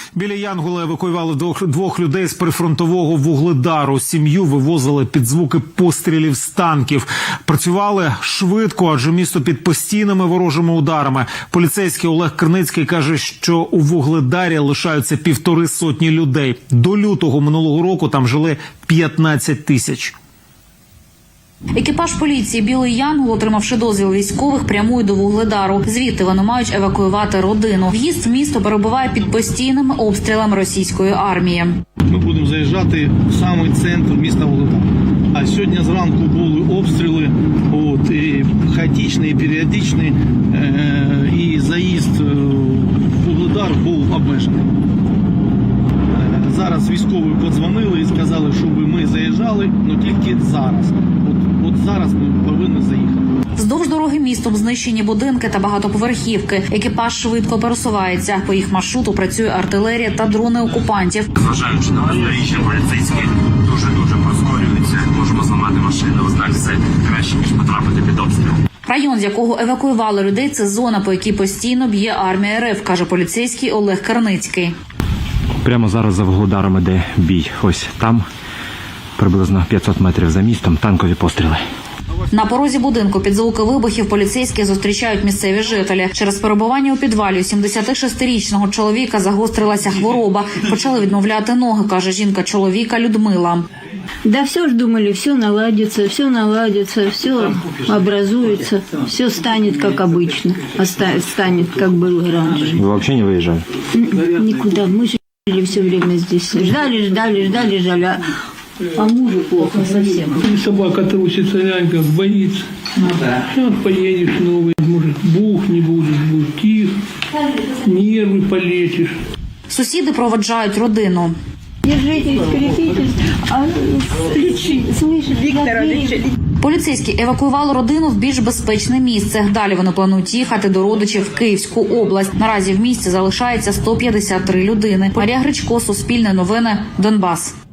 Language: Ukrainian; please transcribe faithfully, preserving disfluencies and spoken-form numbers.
Біля Янгола евакуювали двох, двох людей з прифронтового Вугледару. Сім'ю вивозили під звуки пострілів з танків. Працювали швидко, адже місто під постійними ворожими ударами. Поліцейський Олег Криницький каже, що у Вугледарі лишаються півтори сотні людей. До лютого минулого року там жили п'ятнадцять тисяч. Екіпаж поліції «Білий Янгол», отримавши дозвіл військових, прямує до Вугледару. Звідти вони мають евакуювати родину. В'їзд в місто перебуває під постійними обстрілами російської армії. Ми будемо заїжджати в самий центр міста Вугледар. А сьогодні зранку були обстріли, от, і хаотичні, і періодичні, е- і заїзд в Вугледар був обмежений. Е- зараз військові подзвонили і сказали, щоб ми заїжджали, але тільки зараз. От, от зараз ми повинні заїхати. Вздовж дороги містом знищені будинки та багатоповерхівки. Екіпаж швидко пересувається. По їх маршруту працює артилерія та дрони окупантів. Зважаючи на бездоріжжя, поліцейські дуже-дуже прискорюються. Можемо зламати машину, однак це краще, ніж потрапити під обстріл. Район, з якого евакуювали людей, це зона, по якій постійно б'є армія РФ, каже поліцейський Олег Криницький. Прямо зараз за Вугледаром іде бій. Ось там, приблизно п'ятсот метрів за містом, танкові постріли. На порозі будинку під звуки вибухів поліцейські зустрічають місцеві жителі. Через перебування у підвалі у сімдесятишестирічного чоловіка загострилася хвороба. Почали відмовляти ноги, каже жінка чоловіка Людмила. Да все ж думали, все наладится, все наладится, все образуется, все станет как обычно, станет как было раньше. Вы вообще не выезжали? Никуда, мы жили все время здесь, ждали, ждали, ждали, ждали. А мужу плохо совсем. И собака трусится, нянька боится. Ну да. Сейчас поедешь новый, может, бух не будет, будет тихо, нервы полечишь. Сусіди проводжають родину. Держитесь, крепитесь, а лечи, слышишь, Виктора, лечи. Поліцейські евакуювали родину в більш безпечне місце. Далі вони планують їхати до родичів в Київську область. Наразі в місті залишається сто п'ятдесят три людини. Марія Гречко, Суспільне новини, Донбас.